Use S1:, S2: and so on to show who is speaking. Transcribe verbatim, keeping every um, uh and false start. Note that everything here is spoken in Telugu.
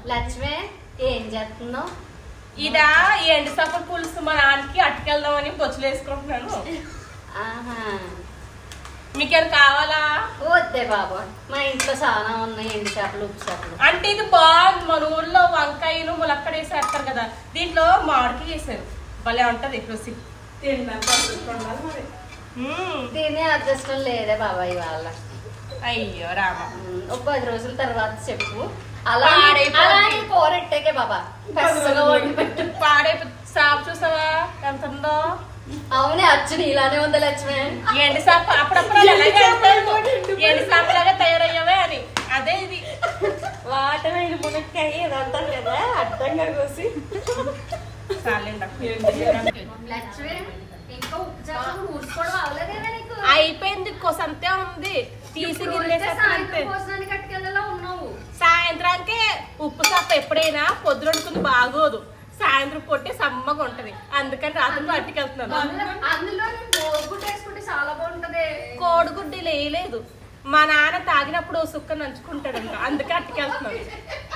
S1: లక్ష్మి ఏం చేస్తున్నావు?
S2: ఇదా ఎండు చేపల పులుసు మా నాన్నకి అట్టుకెళ్దామని బొచ్చులు వేసుకుంటున్నాను.
S1: ఆహా,
S2: మీకేం కావాలా?
S1: వద్దే బాబా, మా ఇంట్లో చాలా ఉన్నాయి ఎండు చేపలు, ఉప్పు చేపలు.
S2: అంటే ఇది బాగుంది. మన ఊర్లో వంకాయలు ములక్కడ వేసి వేస్తారు కదా, దీంట్లో మామిడికి వేసారు. భలే ఉంటది రుచి.
S1: తినే అదృష్టం లేదే బాబా ఇవాళ.
S2: అయ్యో రామ,
S1: ఒక పది రోజుల తర్వాత చెప్పు. అలా అలాగే కూరెట్టాకే బాబా పెద్దగా వండి పెట్టు.
S2: పాడైపో సాపు చూసావా ఎంత ఉందో.
S1: అవునే అచ్చుని ఇలానే ఉంది లక్ష్మి.
S2: ఎండి సాప అప్పుడప్పుడు అలాగే అంటారు, ఎండి సాపలాగా తయారయ్యావే అని. అదే ఇది
S1: వాటమైన మునక్కాయ ఇది అంటారు కదా, అడ్డంగా కోసి. లక్ష్మి ఇంకా ఉప్పు చేపలు ఊడ్చుకోవడం అవ్వలేదేనా నీకు?
S2: అయిపోయింది, కొసంతే ఉంది. తీసి
S1: భోజనానికి కట్టుకెళ్ళలా ఉన్నావు.
S2: సాయంత్రానికి ఉప్పు చేప ఎప్పుడైనా పొద్దున వండుకుంది బాగోదు, సాయంత్రం పొట్టి సమ్మగా ఉంటది. అందుకని రాత్రి అట్టుకెళ్తున్నాను.
S1: అందులో కోడిగుడ్డు వేసుకుంటే చాలా బాగుంటది.
S2: కోడిగుడ్డు వేయలేదు, మా నాన్న తాగినప్పుడు సుక్క నంచుకుంటాడంట, అందుకే అట్టుకెళ్తున్నాను.